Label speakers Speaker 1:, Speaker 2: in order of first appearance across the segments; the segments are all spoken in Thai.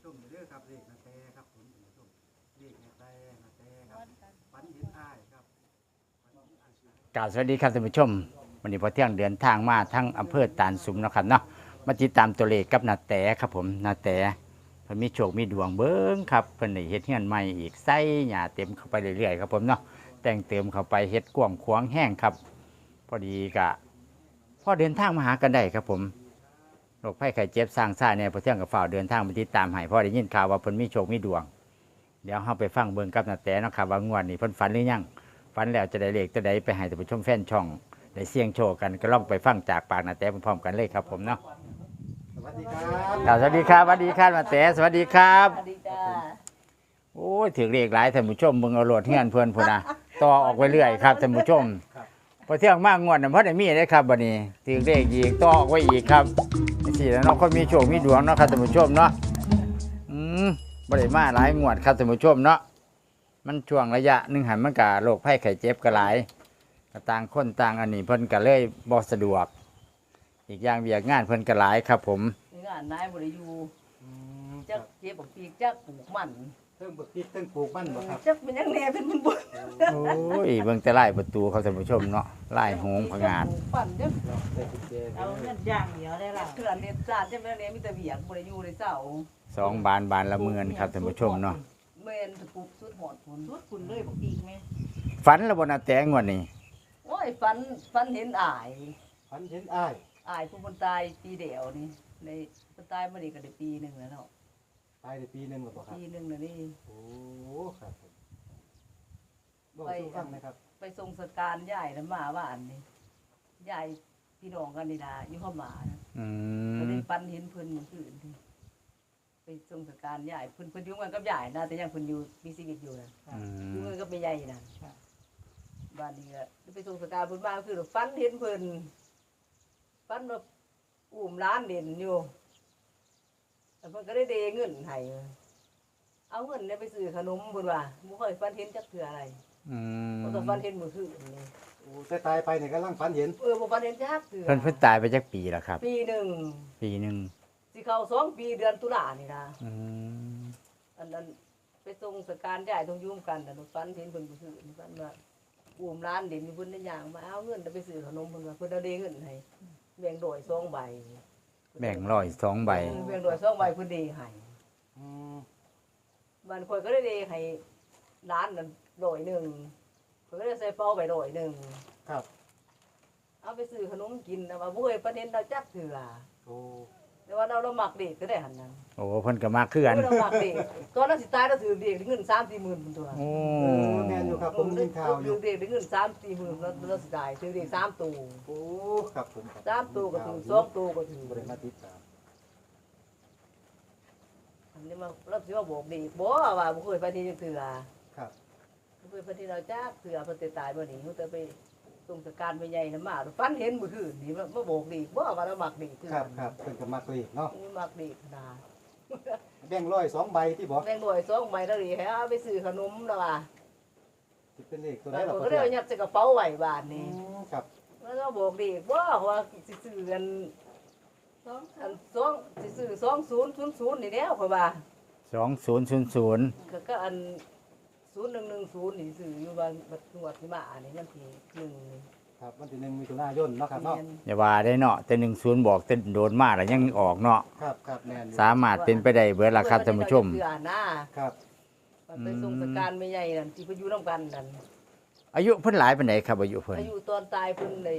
Speaker 1: ชมเด้อครับเลขนาแตครับผมท่านผู้ชมเลขนาแตครับฝันเห็นอ้ายครับ
Speaker 2: กล่าวสวัสดีครับท่านผู้ชมวันนี้พอเที่ยงเดินทางมาทั้งอำเภอตาลสุมนะครับเนาะมาติดตามตัวเลขกับนาแตครับผมนาแตเพิ่นมีโชคมีดวงเบิ้งครับเพิ่นได้เฮ็ดเฮือนใหม่อีกใส่หญ้าเต็มเข้าไปเรื่อยๆครับผมเนาะแต่งเติมเข้าไปเฮ็ดกว้างขวางแห้งครับพอดีกะพอเดินทางมาหากันได้ครับผมโรคภัยไข้เจ็บสร้างซ่าเนี่ยพอเที่ยงกับฝ่าวเดินทางมาติดตามให้พอได้ยินข่าวว่าเพิ่นมีโชคมีดวงเดี๋ยวเฮาไปฟังเบิ่งกับนาแตเนาะครับว่างวดนี้เพิ่นฝันหรือยังฝันแล้วจะได้เลขจะได้ไปให้ท่านผู้ชมแฟนช่องได้เสี่ยงโชคกันก็ลองไปฟังจากปากนาแตพร้อมๆกันเลยครับผมเนาะ
Speaker 1: สวัสดีครับ
Speaker 2: สวัสดีครับสวัสดีครับนาแตสวัสดีครับ
Speaker 3: สวัสดีจ้า
Speaker 2: โอ้ยถือเลขหลายท่านผู้ชมมึงเอาโหลดเฮือนเพื่อนพุ่นนะต่อออกไปเรื่อยครับท่านผู้ชมพอเที่ยงมากงวดน่ะเพราะได้มีได้ครับบัดนี้ถือเลขอีกต่อออกไว้อีกครับสิแล้วเนาะคนมีโชคมีดวงเนาะครับท่านผู้ชมเนาะบ่ได้มาหลายงวดครับท่านผู้ชมเนาะมันช่วงระยะหนึงหันมันก็โรคภัยไข้เจ็บก็หลายก็ต่างคนต่างอันนี้เพิ่นก็เลยบ่สะดวก อีกอย่างเวียกงานเพิ่นก็หลายครับผม
Speaker 3: งานนายบริยู
Speaker 1: ค
Speaker 3: จั
Speaker 1: รั
Speaker 3: ก
Speaker 1: บ
Speaker 3: เจ็บบอกปีกจักปลูกมัน
Speaker 1: เพิ่งบักพริกเพิ่งปลูกมันบ่ครับ
Speaker 3: จักเป็นยังแน่เป็นมันบุญ
Speaker 2: โอ้ยเบิ่งแต่ไล่ประตูเขาท่านผู้ชมเนาะไล่โหงผงาด
Speaker 3: ปลูกปั่นจัก
Speaker 1: ได้กุญแจ
Speaker 4: เอาเงินอย่างเดียวได้ละ
Speaker 3: เถื่อนเน็ตจานจักเป็นเนี่ยมีแต่เบียกบริยูในเจ้า
Speaker 2: สองบานบานละเมือนครับท่านผู้ชมเนาะ
Speaker 3: เมนตะปุกสุดหอดผล
Speaker 4: ทุกคุณเลยบอกอีกไหม
Speaker 2: ฝันแล้วบนาแตงวันนี้
Speaker 3: โอ้ยฟันเห็นอาย
Speaker 1: ฝันเห็นอ้าย
Speaker 3: อายผู้คนตายปีเดียวนี่ในคนตายมาดีก็ได้ปีหนึ่งแล้วเนาะ
Speaker 1: ตายได้ปีหนึงแล้วบ่ครับ
Speaker 3: ปีหนึ่งแล้วนี่
Speaker 1: โอ้ครับผมบอกสู่ฟังนะครับ
Speaker 3: ไปทรงสการยายแล้วมาว่าอันนี้ยายพี่น้องกันนี่นะอยู่ข้ามานะ
Speaker 2: อื
Speaker 3: ก็
Speaker 2: ม
Speaker 3: ได้ปันเห็นเพิ่นเมื่อคืนที่ไปทรงสการยายเพิ่นอยู่กันกับยายนะแต่ยังเพิ่นอยู่มีชีวิตอยู่นะ
Speaker 2: อื
Speaker 3: อยู่
Speaker 2: ม
Speaker 3: กันกับแม่ยายนะบ้านนี้ก็ไปทรงสการเพิ่นมาคือฟันเห็นเพิ่นฟันว่าอุ้มร้านเด่นอยู่แต่เพิ่นก็ได้เดเงินให้เอาเงินเนี่ยไปซื้อขนมเพิ่นว่าบ่เคยฟันเห็นจักเทื่ออะไร
Speaker 2: อืม
Speaker 3: เพราะก็ฟันเห็นเมื่อคืนนี่
Speaker 1: โอ้แต่ตายไปเนี่ยกำลังฝันเห็น
Speaker 3: บ่ฟันเห็นจักเทื่อ
Speaker 2: เพิ่นตายไปจักปีแล้วครับ
Speaker 3: ปีหนึ่ง
Speaker 2: ปีหนึง
Speaker 3: สิเข้า2 ปีเดือนตุลานี่นะ
Speaker 2: อืม
Speaker 3: อันนั้นไปส่งสการยายต้องยุ่มกันแต่ฟันเห็นเพิ่นบ่ซื้อนี่ฟันว่าอุ้มร้านเด่นมีเพิ่นได้ย่างมาเอาเงินไปซื้อขนมเพิ่นว่าเพิ่นเอาเดเงินให้แบ่งโดย2ใบ
Speaker 2: แบ่งร้อย2 ใบ
Speaker 3: แบ่งโดย2ใบเพิ่นเดให้
Speaker 1: อืม
Speaker 3: บ้านข่อยก็ได้เดให้ร้านนั้นโดยหนึงเพิ่นก็ได้ใส่เป้าไปโดยหนึง
Speaker 1: ครับ
Speaker 3: เอาไปซื้อขนมกินแต่ว่าบ่เคยประเด็นเราจักเถื่อ
Speaker 1: โอ้
Speaker 3: แต่ว่าเรามักเด็กก็ได้หั่นนั้น
Speaker 2: โอ้เพิ่นก็มาคือกัน
Speaker 3: เรามักเด็กตอนนั้นสิตายเราถือเด็กเงิน3-4หมื่นพุ่นตัว
Speaker 2: โอ้
Speaker 1: แม่นอยู่ครับผมได้ยินข่าวอ
Speaker 3: ถื
Speaker 1: ยู่
Speaker 3: อเด็กได้เงิน3-4หมื่นเราสิได้ถือเด็ก3ตัว
Speaker 1: โอ้ครับผมครับ
Speaker 3: 3ตัวก็ถือ2ตัวก็ถือ
Speaker 1: บ่ได้มาติดตาม
Speaker 3: อันนี้มาเราสิว่าบอกเด็กบ่ว่าบ่เคยไปที่จังเถื่อ
Speaker 1: ครับ
Speaker 3: บ่เคยไปที่เราจักเถื่อเพิ่นสิตายบ่นี่เฮาแต่ไปส่งสการไปใหญ่นำมาฝันเห็นมื้อคืนนี่มาบอกเด็กบ่ว่าเรามักเด็กคือ
Speaker 1: ครับครับเพิ่นก็มักเลขเนาะ
Speaker 3: นี่มักเด็กขนาด
Speaker 1: แบ่งร้อย2ใบที่บ่
Speaker 3: แบ่งหน่วย2ใบแล้วดิให้เอาไปซื้อขนมแล้วว่า
Speaker 1: สิเป็นเลขตัว
Speaker 3: แล้
Speaker 1: ใด
Speaker 3: ว
Speaker 1: ล่ะ
Speaker 3: ก็
Speaker 1: พ่อ
Speaker 3: ได้
Speaker 1: เทื่อ
Speaker 3: ยัดใส่กระเป๋าไว้บ้าน
Speaker 1: อื
Speaker 3: นี่
Speaker 1: มครับ
Speaker 3: แล้วก็บอกเด็กบ่ว่าสิซื้อกันอัน2สิซื้อ2000นี่แล้วข่อยว่า
Speaker 2: 2000
Speaker 3: ก็อัน0110นี่ซื้ออยู่บ้านบัดงวดที่มานี่ยันที่1นี่
Speaker 1: ครับวันที่1มิถุนายนเนาะครับเนาะ
Speaker 2: อย่าว่าได้เนาะแต่10บอกแต่โดนมาแล้วยังออกเนาะ
Speaker 1: ครับครับแม่นอยู่
Speaker 2: สามารถเป็นไปได้เบิดล่ะครับท่านผู้ชม
Speaker 3: เพื่อนะครับ มันไปส่งสการไม่ใหญ่นั่นที่เพิ่นอยู่นํกันนั่น
Speaker 2: อายุเพิ่นหลายปานใดครับอายุเพิ่น
Speaker 3: อายุตอนตายเพิ่นได้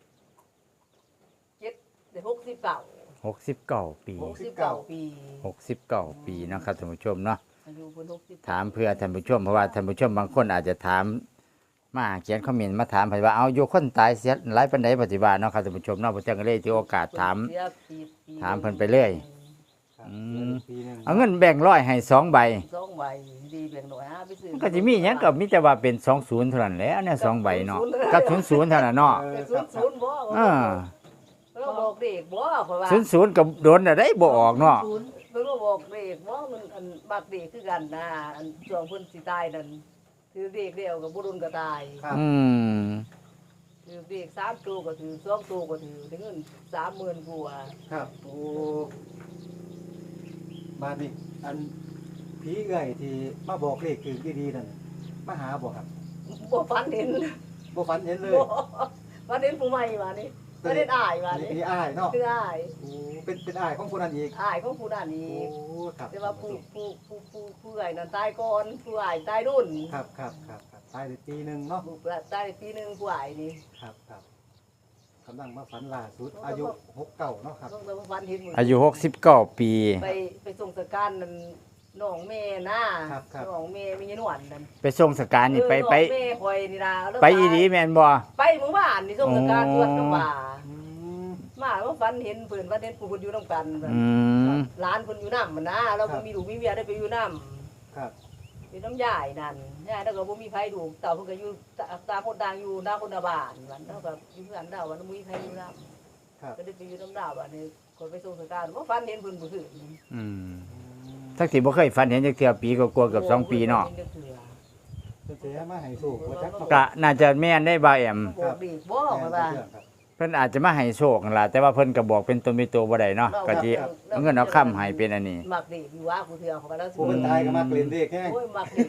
Speaker 3: 69
Speaker 2: 69 ปี
Speaker 3: 69 ปี
Speaker 2: 69 ปีเนาะครับท่านผู้ชมเนาะ
Speaker 3: อายุเพิ่น69
Speaker 2: ถามเพื่อท่านผู้ชมเพราะว่าท่านผู้ชมบางคนอาจจะถามมาเขียนคอมเมนต์มาถามเพิ่นว่าเอาอยู่คนตายเสียหลายปานใดปฏิบัติเนาะครับท่านผู้ชมเนาะบ่จังก็เลยถือโอกาสถาม ถามเพิ่นไปเรื่อย
Speaker 1: ครับ
Speaker 2: อืม
Speaker 1: ปีหนึง
Speaker 2: เอาเงินแบ่งร้อยให้2 ใบ
Speaker 3: 2ใบดีแบ่งหน่อยฮะไปซื้อ
Speaker 2: มันก็สิมีหยังก็มีแต่ว่าเป็น20เท่านั้นแหละเนี่ย2ใบเนาะกับ00เท่านั้นเนาะ
Speaker 3: แต่
Speaker 1: ครับครับ
Speaker 3: 00บ่
Speaker 2: เออ
Speaker 3: เราบอกเด็กบ่เพราะว่า
Speaker 2: 00ก็โดนน่ะได้บ่ออกเนาะ
Speaker 3: เพิ่นก็บอกเด็กบ่มันอันบักเด็กคือกันนะอันช่วงเพิ่นสิตายนั่นถือเด็กเดียวกับบ่รุนก็ตาย
Speaker 1: ครับ
Speaker 2: อืม
Speaker 3: ถือเด็ก3ตัวก็ถือ2ตัวก็ถือได้เงิน30,000กว่า
Speaker 1: ครับโอ้บ้านนี้อันผีเอื้อยที่มาบอกเลขคือดีๆนั่นมาหาบ่ครับ
Speaker 3: บ่ฝันเห็น
Speaker 1: บ่ฝันเห็นเลย
Speaker 3: บ่ฝันเห็นผู้ใหม่มานี่ฝันเห็นอ้ายมานี่
Speaker 1: นี่อ้ายเนาะ
Speaker 3: คืออ้าย
Speaker 1: โอ้เป็นอ้ายของคนนั้นอีก
Speaker 3: อ้ายของผู้นั้น
Speaker 1: โอ้
Speaker 3: อีก
Speaker 1: ครับ
Speaker 3: แต่ว่าผู้ใหญ่นั่นตายก่อนผู้อ้ายตายรุ่น
Speaker 1: ครับตายได้ปีหนึงเนาะ
Speaker 3: ผู้ตายปีหนึงผู้อ้ายนี่
Speaker 1: ครับกำลังมาฝันล่าสุดอายุ69เนาะครับ
Speaker 3: ต้องแต่ว่าฝันเห็นหมด
Speaker 2: อายุ69 ปี
Speaker 3: ไปส่งสการนั่นน้องแม่นะน้องแม่มีหนวดนั่น
Speaker 2: ไปส่งสการนี่ไป
Speaker 3: น้องแม่คอยนี่ล่ะแล้ว
Speaker 2: ไปอีหลีแม่นบ่
Speaker 3: ไปหมู่บ้านนี่ส่งสการตรวจน้ำป่า
Speaker 1: อืม
Speaker 3: มาว่าฝันเห็นเพิ่นว่าเห็นผู้เพิ่นอยู่นำกัน
Speaker 2: อืม
Speaker 3: ร้านเพิ่นอยู่นำมันนะเราบ่มีลูกมีเมียได้ไปอยู่นำ
Speaker 1: ครับ
Speaker 3: เป็นน้ำยายนั่นยายแล้วก็บ่มีไผดูกเต่าเพิ่นก็อยู่ตามคนต่างอยู่หน้าคนละบ้านวันแล้วก็อยู่เพื่อนดาววันบ่มีไผอยู่นำ
Speaker 1: ครับ
Speaker 3: ก็ได้ไปอยู่น้ำดาวบัดนี้คนไปส่งสการบ่ฝันเห็นเพิ่นบ่คืน
Speaker 2: อืมทักสิบ่เคยฝันเห็นจักเทื่อปีก็กลัวๆเกือบ2 ปีเนาะ
Speaker 1: เพิ่นสิมาให้สูกว่าจัก
Speaker 2: ก็น่าจะแม่นได้บ่าวแอม
Speaker 3: บอกดีบ่
Speaker 1: แม่
Speaker 3: ว่า
Speaker 1: เรื่องครับ
Speaker 2: เพิ่นอาจจะมาให้โชคนั่นล่ะแต่ว่าเพิ่นก็บอกเป็นตนเป็นตัวบ่ได้เนาะก็สิเอาเงินเอาค้ำให้เป็นอันนี้
Speaker 3: มักดีอยู่ว่าผู้เทื่อเขาก็แล้ว
Speaker 1: ผู้เป็นตายก็มาเล่นเลขแฮง
Speaker 3: โอ้ยมักดี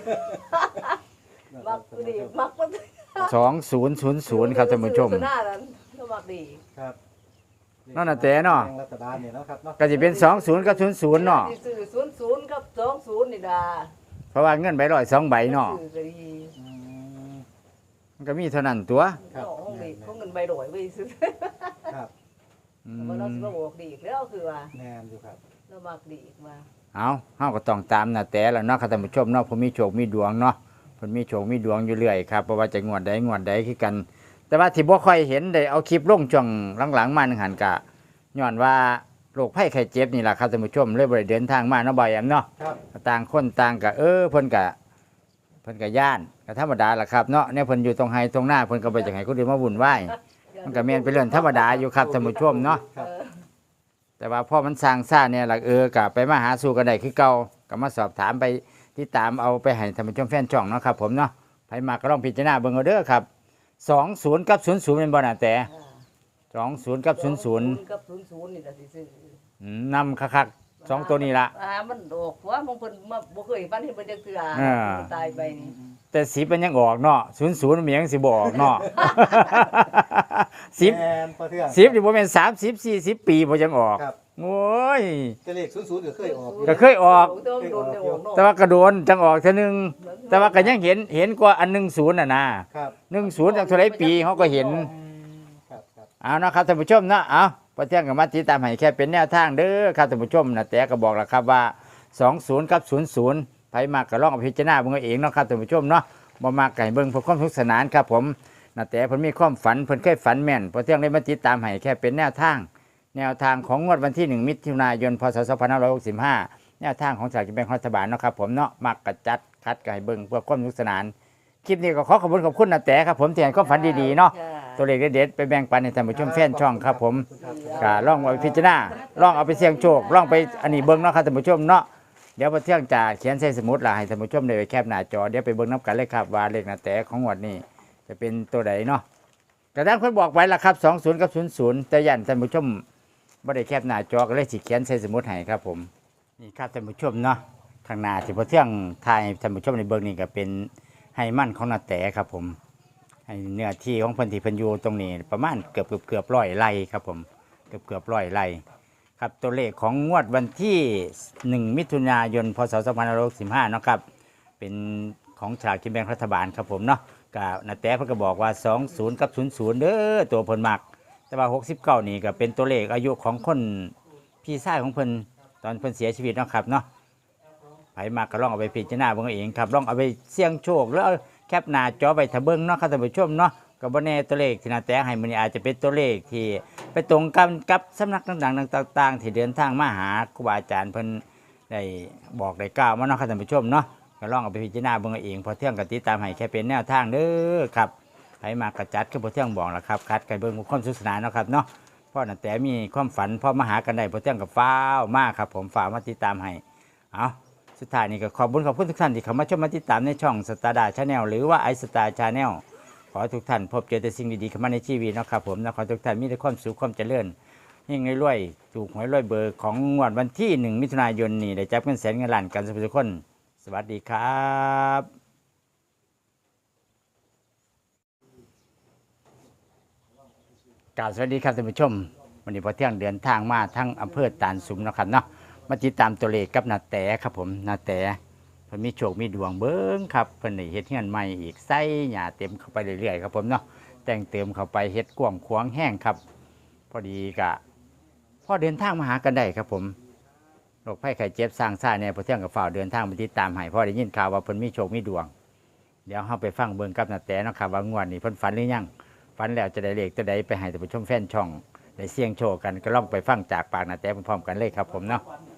Speaker 3: มักดีมักมัน
Speaker 2: 2000ครับท่านผู้ชม
Speaker 3: หน้านั้นก็มักดี
Speaker 1: ครับ
Speaker 2: นั่นน่ะแต่เนาะ
Speaker 1: รัฐบาลเนี่ยเนาะครับเนาะ
Speaker 2: ก็สิเป็น20กับ00เนาะ
Speaker 3: สิซื้อ00กับ20นี่ล่ะ
Speaker 2: เพราะว่าเงินใบ102ใบเนาะ
Speaker 3: ซื้อก็ดี
Speaker 1: อืม
Speaker 2: มันก็มีเท่านั้นตัว
Speaker 1: ครับ
Speaker 3: ห้องนี้เขาเงินใบดอยไว้ซื้อ
Speaker 1: ครับ
Speaker 2: อืม
Speaker 3: ว่าเราสิมาบอกดีอีกแล้วคือว่า
Speaker 1: แม่นอยู่ครับ
Speaker 3: เรามักดีอีกว่า
Speaker 2: เอาเฮาก็ต้องตามน่ะแต่ละเนาะครับท่านผู้ชมเนาะผมมีโชคมีดวงเนาะเพิ่นมีโชคมีดวงอยู่เรื่อยครับบ่ว่าจะงวดใดคือกัน แต่ว่าที่บ่ค่อยเห็นได้เอาคลิปลงช่วงหลังๆมานึงหันกะย้อนว่าโรคภัยไข้เจ็บนี่ล่ะครับท่านผู้ชมเลยบ่ได้เดินทางมาเนาะบ่อยแอมเนาะ
Speaker 1: ครับ
Speaker 2: ต่างคนต่างก็เพิ่นก็ย่านก็ธรรมดาล่ะครับเนาะเนี่ยเพิ่นอยู่ตรงไห้ตรงหน้าเพิ่นก็บ่อยากให้คนอื่นมาวุ่นวายมันก็แม่นเป็นเรื่องธรรมดาอยู่ครับท่านผู้ชมเนาะ
Speaker 1: ครับ
Speaker 2: แต่ว่าพอมันสร้างซ่าเนี่ยล่ะก็ไปมาหาสู่กันได้คือเก่าก็มาสอบถามไปติดตามเอาไปให้ท่านผู้ชมแฟนช่องเนาะครับผมเนาะไผมาก็ลองพิจารณาเบิ่งเอาเด้อครับ20กับ00เป็นบ่น่ะแต่20กับ00
Speaker 3: กับ00นี่ล่ะสิซื้อน
Speaker 2: ำคักๆ2ตัวนี้ล่ะ
Speaker 3: มันออกว่าบางเพิ่นมาบ่เคยฝันเห็นเพิ่นจักเทื่อ
Speaker 2: อ่า
Speaker 3: ตายไปนี่
Speaker 2: แต่10มันยังออกเนาะ00มันยังสิบ่ออกเนาะ 10
Speaker 1: แม่นพอเทื่อง
Speaker 2: 10นี่บ่แม่น30 40 ปีบ่ยังออก
Speaker 1: ครับ
Speaker 2: โอ้ย
Speaker 1: แต่เลข00ก็เคยออกอยู่
Speaker 2: ก็เคยออก แต่ว่าก็โดนจังออกเทื่อนึงแต่ว่าก็ยังเห็นกว่าอัน10น่ะนะครับ 10จังเท่าไรปีเขาก็เห็น
Speaker 1: ครับ
Speaker 2: เอานะครับท่านผู้ชมนะเอาพอเที่ยงกับมาติดตามให้แค่เป็นแนวทางเด้อครับท่านผู้ชมนะแต่ก็บอกแล้วครับว่า20กับ00ไผมากก็ลองเอาพิจารณาเบิ่งเอาเองเนาะครับท่านผู้ชมเนาะบ่มากก็ให้เบิ่งเพื่อความสนุกสนานครับผมนะแต่เพิ่นมีความฝันเพิ่นเคยฝันแม่นพอเที่ยงได้มาติดตามให้แค่เป็นแนวทางของงวดวันที่1มิถุนายนพศ2565แนวทางของสลากกินแบ่งรัฐบาลเนาะครับผมเนาะมักกะจัดคัดก็ให้เบิ่งเพื่อความสนุกสนานคลิปนี้ก็ขอบคุณนะแต่ครับผมที่ให้ความฝันดีๆเนาะ ตัวเลขเด็ดๆไปแบ่งปันให้ท่านผู้ชมแฟนช่องครับผมก็ลองเอาไปพิจารณาลองเอาไปเสี่ยงโชคลองไปอันนี้เบิ่งเนาะครับท่านผู้ชมเนาะเดี๋ยวพอเที่ยงจะเขียนใส่สมุดล่ะให้ท่านผู้ชมได้ไปแคปหน้าจอเดี๋ยวไปเบิ่งน้ำกันเลยครับว่าเลขหน้าแต่ของงวดนี้จะเป็นตัวใดเนาะกระด้างเพิ่นบอกไว้ล่ะครับ20กับ00แต่ยันท่านผู้ชมบ่ได้แคปหน้าจอก็เลยสิเขียนใส่สมุดให้ครับผมนี่ครับท่านผู้ชมเนาะข้างหน้าที่พอเที่ยงถ่ายให้ท่านผู้ชมในเบิ่งนี่ก็เป็นไฮมันของหน้าแต่ครับผม ให้เนื้อที่ของเพิ่นที่เพิ่นอยู่ตรงนี้ประมาณเกือบ100 ไร่ครับผมเกือบ100 ไร่ครับตัวเลขของงวดวันที่1มิถุนายนพศ2565เนาะครับเป็นของฉลากกินแบ่งรัฐบาลครับผมเนาะก็นาแต่เพิ่นก็บอกว่า20กับ00เด้อตัวเพิ่นมักแต่ว่า69นี่ก็เป็นตัวเลขอายุของคนพี่ชายของเพิ่นตอนเพิ่นเสียชีวิตเนาะครับเนาะไผมักก็ลองเอาไปพิจารณาเบิ่งเอาเองครับลองเอาไปเสี่ยงโชคแล้วแคปหน้าจอไปถ้าเบิ่งเนาะครับท่านผู้ชมเนาะก็บ่แน่ตัวเลขที่นาแต่ให้มื้อนี้อาจจะเป็นตัวเลขที่ไปตรงกันกับสำนักต่างๆต่างๆที่เดินทางมาหาครูบาอาจารย์เพิ่นได้บอกได้กล่าวมาเนาะครับท่านผู้ชมเนาะก็ลองเอาไปพิจารณาเบิ่งเอาเองพอเที่ยงก็ติดตามให้แค่เป็นแนวทางเด้อครับไผมากระจัดคือพอเที่ยงบอกล่ะครับคัดกันเบิ่งความสนุกสนานเนาะครับเนาะเพราะนาแต่มีความฝันพอมาหากันได้พอเที่ยงก็ฟ้าวมากครับผมฟ้าวมาติดตามให้เอาสุดท้ายนี้ก็ขอบคุณทุกท่านที่เข้ามาชมมาติดตามในช่องสตาร์ดาชาแนลหรือว่าไอสตาร์ชาแนลขอให้ทุกท่านพบเจอแต่สิ่งดีๆเข้ามาในชีวิตนะครับผมนะขอให้ทุกท่านมีแต่ความสุขความเจริญในฮงรวยๆถูกหวยรวยเบอร์ของงวดวันที่1 มิถุนายนนี้ได้จับเงินแสนเงินล้านกันทุกคนสวัสดีครับกราบสวัสดีครับท่านผู้ชมวันนี้พอเที่ยงเดินทางมาทั้งอำเภอตาลสุมนะครับเนาะมาติดตามตัวเลขกับนาแตครับผมนาแตเพิ่นมีโชคมีดวงเบิ้งครับเพิ่นได้เฮ็ดเฮือนใหม่อีกใส่หญ้าเต็มเข้าไปเรื่อยๆครับผมเนาะแต่งเติมเข้าไปเฮ็ดกว้างขวางแห้งครับพอดีกะพอเดินทางมาหากันได้ครับผมโรคภัยไข้เจ็บสร้างซ่าเนี่ยพอเที่ยงกับฝ่าวเดินทางมาติดตามให้พอได้ยินข่าวว่าเพิ่นมีโชคมีดวงเดี๋ยวเฮาไปฟังเบิ่งกับนาแตเนาะครับว่างวดนี้เพิ่นฝันหรือยังฝันแล้วจะได้เลขตัวใดไปให้ท่านผู้ชมแฟนช่องได้เสี่ยงโชคกันก็ลองไปฟังจากปากนาแตพร้อมๆกันเลยครับผมเนาะ